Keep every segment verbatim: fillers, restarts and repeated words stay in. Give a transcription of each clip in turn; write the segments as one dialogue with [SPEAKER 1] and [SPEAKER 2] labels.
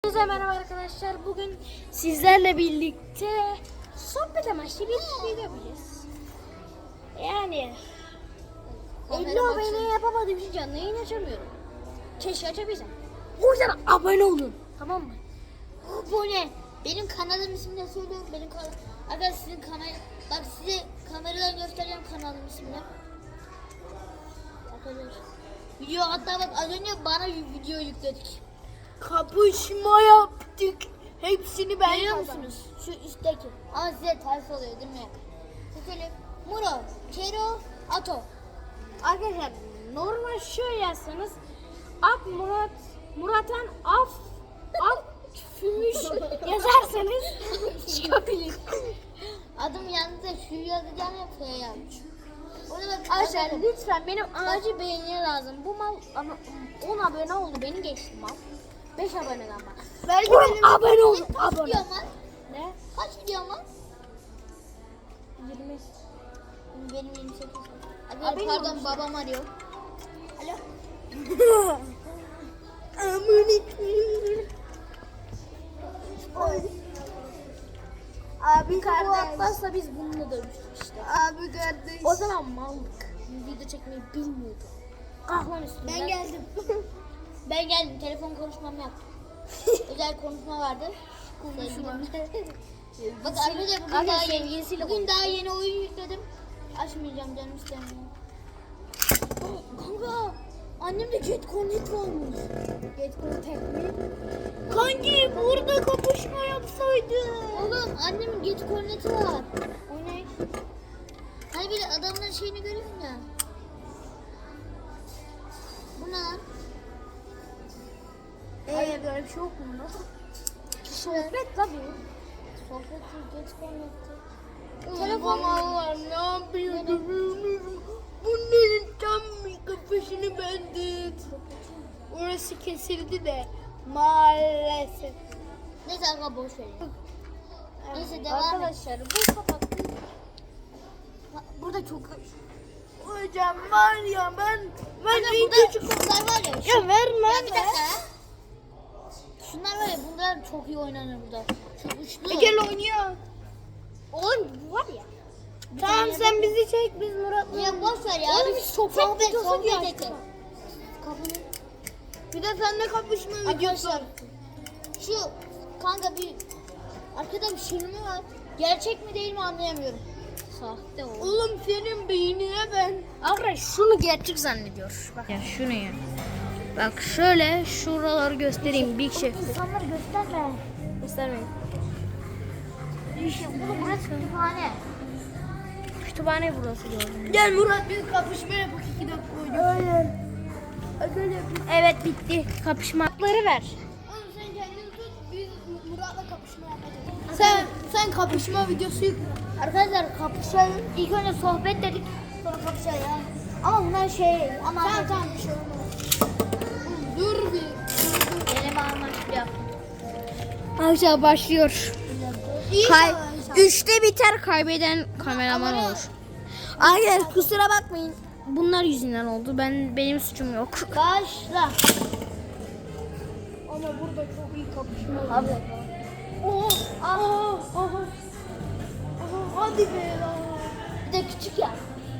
[SPEAKER 1] Herkese merhaba arkadaşlar. Bugün sizlerle birlikte sohbet amaçlı bir video yapacağız. Yani elli abone yapamadığım için canlı yayın açamıyorum. Keşke açabilsem. O yüzden abone olun. Tamam mı?
[SPEAKER 2] Abone. Benim kanalım ismini söylüyorum. Benim kanal. Arkadaşlar sizin kamera. Bak size kameradan göstereceğim kanalım ismini. Arkadaşlar. Video hatta bak az önce bana video yükledik.
[SPEAKER 1] Kapışma yaptık. Hepsini ben
[SPEAKER 2] Biliyor
[SPEAKER 1] kazandım.
[SPEAKER 2] musunuz? Şu üstteki. Ama size ters oluyor değil mi? Söyleyeyim. Muro, Kero, Ato.
[SPEAKER 1] Arkadaşlar normal şöyle yazsanız Ak Murat Muratan Af Af Fümüş yazarsanız çıkabilir.
[SPEAKER 2] Adım yanında şu yazacağını F yazmış. Orada bak
[SPEAKER 1] Arkadaşlar lütfen benim acil beğeniye lazım. Bu mal ama on abone oldu, beni geçti mal. beş aboneden bak.
[SPEAKER 2] Belki
[SPEAKER 1] benim abone olun.
[SPEAKER 2] Kaç
[SPEAKER 1] Abone.
[SPEAKER 2] video var?
[SPEAKER 1] Ne?
[SPEAKER 2] Kaç video var?
[SPEAKER 1] yirmi.
[SPEAKER 2] Benim yirmi sekiz. Abi,
[SPEAKER 1] Abi,
[SPEAKER 2] pardon
[SPEAKER 1] benim
[SPEAKER 2] babam arıyor. Alo.
[SPEAKER 1] Abi kardeş. Bu atlarsa biz bununla dövüştük işte.
[SPEAKER 2] Abi kardeş.
[SPEAKER 1] O zaman mallık. Video çekmeyi bilmiyordu. Kahlan üstünden.
[SPEAKER 2] Ben geldim. ben geldim. Telefon konuşmamı yaptım. Özel konuşma vardı.
[SPEAKER 1] Konuşma.
[SPEAKER 2] Bak arkadaşlar bugün,
[SPEAKER 1] Arkadaşlar,
[SPEAKER 2] daha yeni,
[SPEAKER 1] sevgilisiyle
[SPEAKER 2] bugün daha yeni oyun yükledim. Açmayacağım canım istemiyorum.
[SPEAKER 1] Kanka annemde Jet Connect varmış. Jet Connect mi? Kanki burada kapışma yapsaydı.
[SPEAKER 2] Oğlum annemin geç korneti var.
[SPEAKER 1] O ne?
[SPEAKER 2] Hani böyle adamların şeyini görüyorsun ya. Bu ne lan?
[SPEAKER 1] Eee böyle bir şey yok mu? Sohbet tabii.
[SPEAKER 2] Sohbet geç korneti.
[SPEAKER 1] Telefon var, ne yapıyordum? Bunların tam bir kafasını bendik. Orası kesildi de maalesef.
[SPEAKER 2] Neyse aga boş ver ya. Neyse, devam et.
[SPEAKER 1] Arkadaşlar bu kapattı. Burada çok hocam var ya ben ben
[SPEAKER 2] Aga
[SPEAKER 1] video
[SPEAKER 2] burada
[SPEAKER 1] çıkıp
[SPEAKER 2] şunlar var ya.
[SPEAKER 1] ya verme
[SPEAKER 2] Ya bir
[SPEAKER 1] ver.
[SPEAKER 2] dakika ya. Şunlar var ya bunlar çok iyi oynanır burada. Şu uçlu.
[SPEAKER 1] E, gel oynuyor.
[SPEAKER 2] Oğlum bu var ya.
[SPEAKER 1] Tamam sen bizi çek biz Murat'la.
[SPEAKER 2] Ya boş ver ya.
[SPEAKER 1] Oğlum,
[SPEAKER 2] Biz
[SPEAKER 1] sohbet
[SPEAKER 2] sohbet
[SPEAKER 1] videosu
[SPEAKER 2] sohbet
[SPEAKER 1] diye
[SPEAKER 2] edelim.
[SPEAKER 1] açtık.
[SPEAKER 2] Kapını.
[SPEAKER 1] Bir de seninle kapışma videosu.
[SPEAKER 2] Arkadaşlar şu kanka bir arkada bir şey mi var? Gerçek mi değil mi anlayamıyorum. Sahte o.
[SPEAKER 1] Oğlum senin beynine ben. Arkadaş şunu gerçek zannediyor. Bak. Ya şunu ya. Bak şöyle şuraları göstereyim Big Chef.
[SPEAKER 2] İnsanları gösterme.
[SPEAKER 1] Göstermeyin.
[SPEAKER 2] İşte bunu burası kütüphane.
[SPEAKER 1] Kütüphane burası gördüm. Gel Murat biz kapışma yapalım iki dakika oynayalım. Aynen. Evet bitti. Kapışmakları ver.
[SPEAKER 2] Oğlum sen kendini tut biz Murat'la kapışma yapacağız.
[SPEAKER 1] Sen sen kapışma videosu yük.
[SPEAKER 2] Arkadaşlar kapışalım. İlk önce sohbet dedik. Sonra kapışalım. Ama bunlar şey ama
[SPEAKER 1] Tamam tamam bir şey olmaz. Dur bir.
[SPEAKER 2] deneme amaçlı.
[SPEAKER 1] Arkadaşlar başlıyor. Kay
[SPEAKER 2] İnşallah.
[SPEAKER 1] üçte biter kaybeden kameraman
[SPEAKER 2] Ama-
[SPEAKER 1] olur. Arkadaşlar kusura bakmayın. Bunlar yüzünden oldu. Ben benim suçum yok.
[SPEAKER 2] Başla.
[SPEAKER 1] Ama burada çok iyi kapışma
[SPEAKER 2] Abi.
[SPEAKER 1] Oh, ah, ah, ah. Hadi be lan.
[SPEAKER 2] Bir de küçük ya.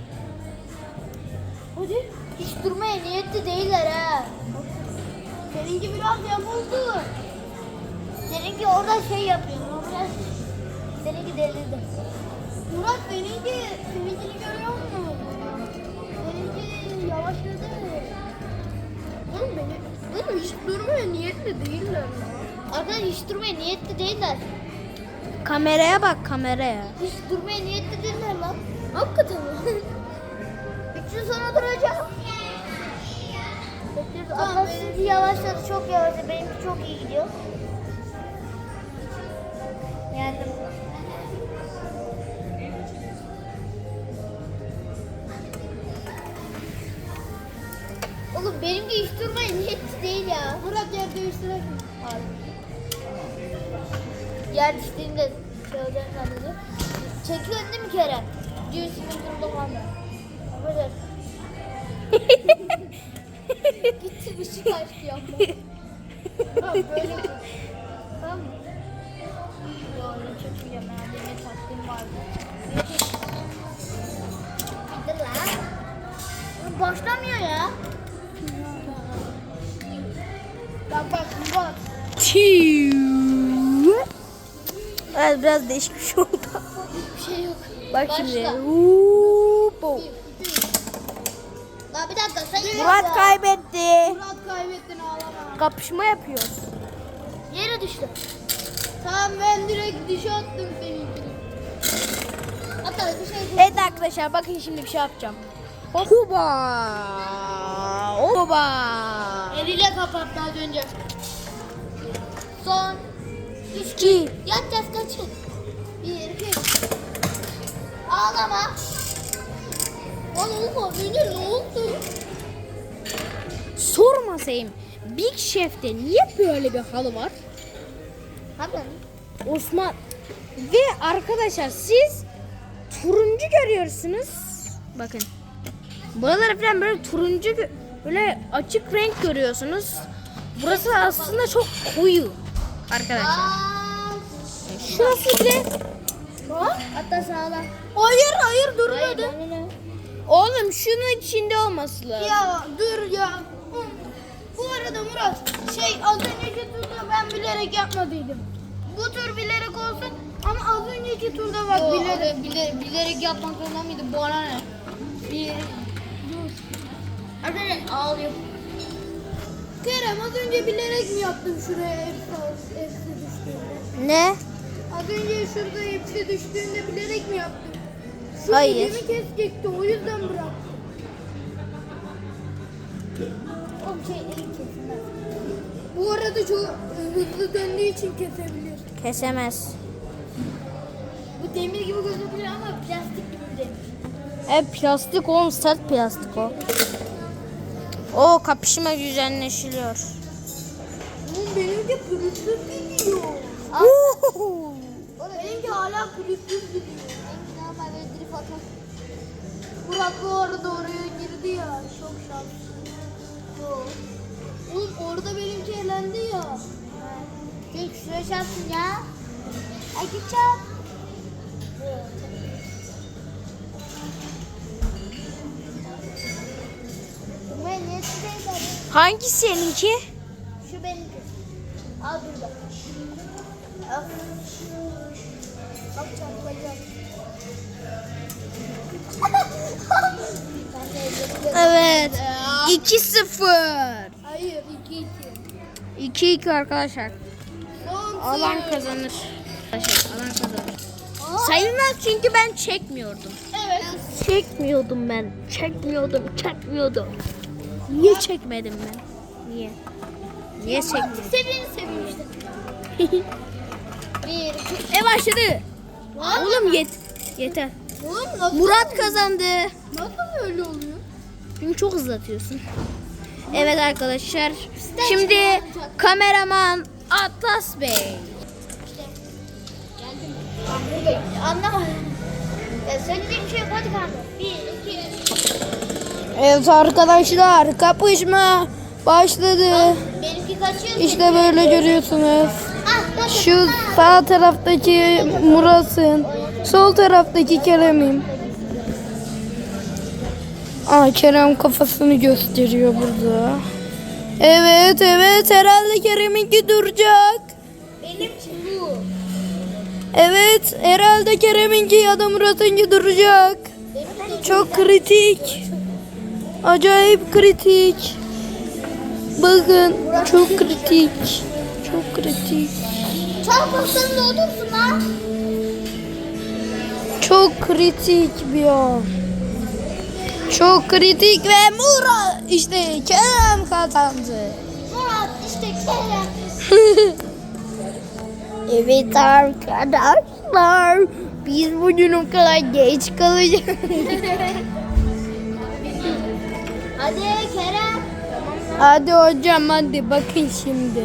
[SPEAKER 1] Hadi.
[SPEAKER 2] Hiç durmaya niyetli değiller ha.
[SPEAKER 1] Seninki biraz yapıldı.
[SPEAKER 2] Seninki orada şey yapıyor. o Biraz seninki delirdi.
[SPEAKER 1] Murat seninki seninkini görüyor musun? Seninki yavaşladı. Oğlum beni, oğlum hiç durmaya niyetli değiller.
[SPEAKER 2] Arkadaşlar hiç durmaya niyetli değiller.
[SPEAKER 1] Kameraya bak kameraya.
[SPEAKER 2] Hiç durmaya niyetli değiller lan.
[SPEAKER 1] Hakikaten mi?
[SPEAKER 2] Üç yıl sonra duracağım. Bekliyoruz.
[SPEAKER 1] Tamam,
[SPEAKER 2] Arkadaşlar
[SPEAKER 1] benim-
[SPEAKER 2] sizinki yavaşladı. Çok yavaşladı. Benimki çok iyi gidiyor. Yendim. Oğlum benimki hiç durmaya niyetli değil ya.
[SPEAKER 1] Murat yer değiştirelim.
[SPEAKER 2] Abi. Yer düştüğünde şey olacağını zannediyor. Çekiyorsun değil mi Kerem? Diyorsun bir durumda kalma. Böyle. Gitti ışık açtı yapma.
[SPEAKER 1] Böyle. Evet biraz değişik bir şey oldu.
[SPEAKER 2] Bir şey yok.
[SPEAKER 1] Bak
[SPEAKER 2] Başla.
[SPEAKER 1] şimdi. Huuuup.
[SPEAKER 2] Lan bir dakika sayın.
[SPEAKER 1] Murat kaybetti.
[SPEAKER 2] Murat kaybettin ağlama.
[SPEAKER 1] Kapışma yapıyoruz.
[SPEAKER 2] Yere düştü. Tamam ben direkt dişe attım seninkini. Hatta bir şey
[SPEAKER 1] Evet arkadaşlar bakın şimdi bir şey yapacağım. Hoba. Hoba.
[SPEAKER 2] eliyle kapattı az önce. Son. Üç.
[SPEAKER 1] İki.
[SPEAKER 2] Yatacağız kaçın. Bir, iki. Ağlama. Lan olma önce ne oldu?
[SPEAKER 1] Sormasayım. Big Chef'te niye böyle bir halı var?
[SPEAKER 2] Hadi.
[SPEAKER 1] Osman ve arkadaşlar siz turuncu görüyorsunuz. Bakın. Buraları falan böyle turuncu gö- böyle açık renk görüyorsunuz. Burası aslında çok koyu arkadaşlar.
[SPEAKER 2] Aa.
[SPEAKER 1] Şurası bile
[SPEAKER 2] Hatta sağla.
[SPEAKER 1] hayır hayır
[SPEAKER 2] Durmadı.
[SPEAKER 1] Oğlum şunun içinde olması lazım.
[SPEAKER 2] Ya dur ya. Hı. Bu arada Murat şey az önceki turda ben bilerek yapmadıydım. Bu tur bilerek olsun ama az önceki turda bak
[SPEAKER 3] Yo,
[SPEAKER 2] bilerek.
[SPEAKER 3] bilerek, bilerek yapmak zorunda mıydı? Bu ara ne? Bir, dur.
[SPEAKER 2] Arkadaşlar ağlıyor.
[SPEAKER 3] Kerem az önce bilerek mi yaptın şuraya hepsi, hepsi düştüğünde?
[SPEAKER 1] Ne?
[SPEAKER 3] Az önce şurada hepsi düştüğünde bilerek mi yaptın? Şu
[SPEAKER 1] Hayır.
[SPEAKER 3] elimi kesecekti o yüzden bıraktım.
[SPEAKER 2] O şey elim kesilmez.
[SPEAKER 3] Bu arada çok hızlı döndüğü için kesebilir.
[SPEAKER 1] Kesemez.
[SPEAKER 2] Bu demir gibi gözüküyor ama plastik gibi bir demir.
[SPEAKER 1] E plastik oğlum, sert plastik o. O kapışma düzenleşiliyor.
[SPEAKER 3] Oğlum benimki pürüzsüz gidiyor.
[SPEAKER 1] Uhuhu.
[SPEAKER 3] Benimki hala pürüzsüz gidiyor.
[SPEAKER 2] Benimki normal böyle drift atar.
[SPEAKER 3] Murat bu arada oraya girdi ya. Çok şanslı.
[SPEAKER 2] Yok.
[SPEAKER 3] Oğlum orada benimki elendi ya.
[SPEAKER 2] Tek şuraya çarpsın ya. Ay git çarp. Ben niye size
[SPEAKER 1] Hangisi seninki?
[SPEAKER 2] Şu benimki. Al burada. Al. Bak çarpacağım. Ben de ellerimi
[SPEAKER 1] Evet. iki sıfır.
[SPEAKER 3] Hayır iki iki.
[SPEAKER 1] iki iki arkadaşlar.
[SPEAKER 3] Son
[SPEAKER 1] Alan kazanır. Arkadaşlar alan kazanır. Sayılmaz çünkü ben çekmiyordum.
[SPEAKER 3] Evet.
[SPEAKER 1] Çekmiyordum ben. Çekmiyordum. Çekmiyordum. Niye çekmedim ben? Niye? Niye çekmedim?
[SPEAKER 2] Sevini seveyim işte. Bir, iki.
[SPEAKER 1] E başladı. Oğlum yet yeter.
[SPEAKER 3] Oğlum nasıl,
[SPEAKER 1] Murat kazandı.
[SPEAKER 3] nasıl öyle oluyor?
[SPEAKER 1] Çünkü çok hızlatıyorsun. Evet arkadaşlar. Şimdi kameraman Atlas Bey.
[SPEAKER 2] Geldim. Ben buradayım. Anlamadım. Ya söyleyeceğim bir şey yok. Hadi kanka. Bir, iki, üç.
[SPEAKER 1] Evet arkadaşlar, kapışma başladı.
[SPEAKER 2] Benimki kaçıyor.
[SPEAKER 1] İşte böyle görüyorsunuz.
[SPEAKER 2] Ah, dur, dur.
[SPEAKER 1] Şu sağ taraftaki Murat'ın, sol taraftaki Kerem'im. Aa, Kerem kafasını gösteriyor burada. Evet evet, herhalde Kerem'inki duracak.
[SPEAKER 2] Benim bu.
[SPEAKER 1] Evet, herhalde Kerem'inki ya da Murat'ınki duracak.
[SPEAKER 2] Benim
[SPEAKER 1] Çok kritik. Acayip kritik. Bakın çok kritik. Çok kritik.
[SPEAKER 2] Çarpmasın da olursun lan.
[SPEAKER 1] Çok kritik bir an. Çok kritik ve Murat işte Kerem kazandı.
[SPEAKER 2] Murat işte Kerem.
[SPEAKER 1] Evet arkadaşlar, biz bugün o kadar geç kalacağız.
[SPEAKER 2] Hadi Kerem.
[SPEAKER 1] Hadi hocam hadi bakın şimdi.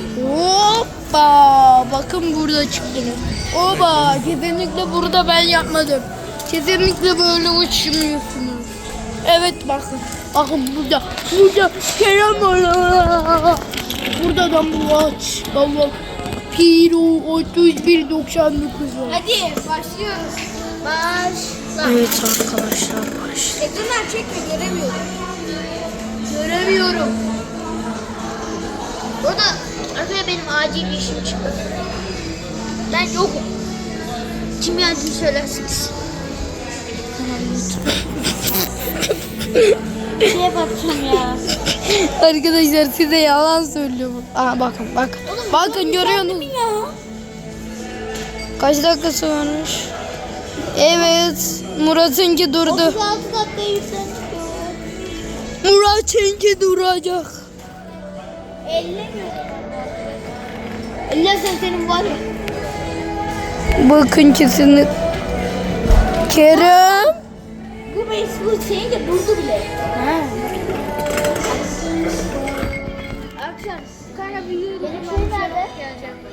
[SPEAKER 1] Hoppa, bakın burada çıktınız. Oba, kesinlikle burada ben yapmadım. Kesinlikle böyle uçmuyorsunuz. Evet bakın. Bakın burada. Burada Kerem var. Burada da Murat. Baba. Piro otuz bir doksan dokuz var.
[SPEAKER 2] Hadi başlıyoruz. Başla.
[SPEAKER 1] Evet arkadaşlar başladı.
[SPEAKER 2] Ekranlar çekme göremiyorum. Göremiyorum. Burada
[SPEAKER 1] Arkadaşlar benim acil bir işim çıktı. Ben yokum. Kim geldiğini söylersiniz. Şeye bakacağım ya.
[SPEAKER 3] Arkadaşlar size yalan söylüyorum. Aa bakın bak. Bakın görüyorsunuz. Kaç dakikası varmış? Evet. Murat'ınki durdu.
[SPEAKER 2] otuz altı dakika yükselmiş.
[SPEAKER 3] Murat'ınki duracak.
[SPEAKER 2] Ellersen senin var ya.
[SPEAKER 3] Bakın kesinlikle. Kerem.
[SPEAKER 1] Bu Facebook senin de durdu bile.
[SPEAKER 2] Akşam kanka bir yürü. Benim şey nerede?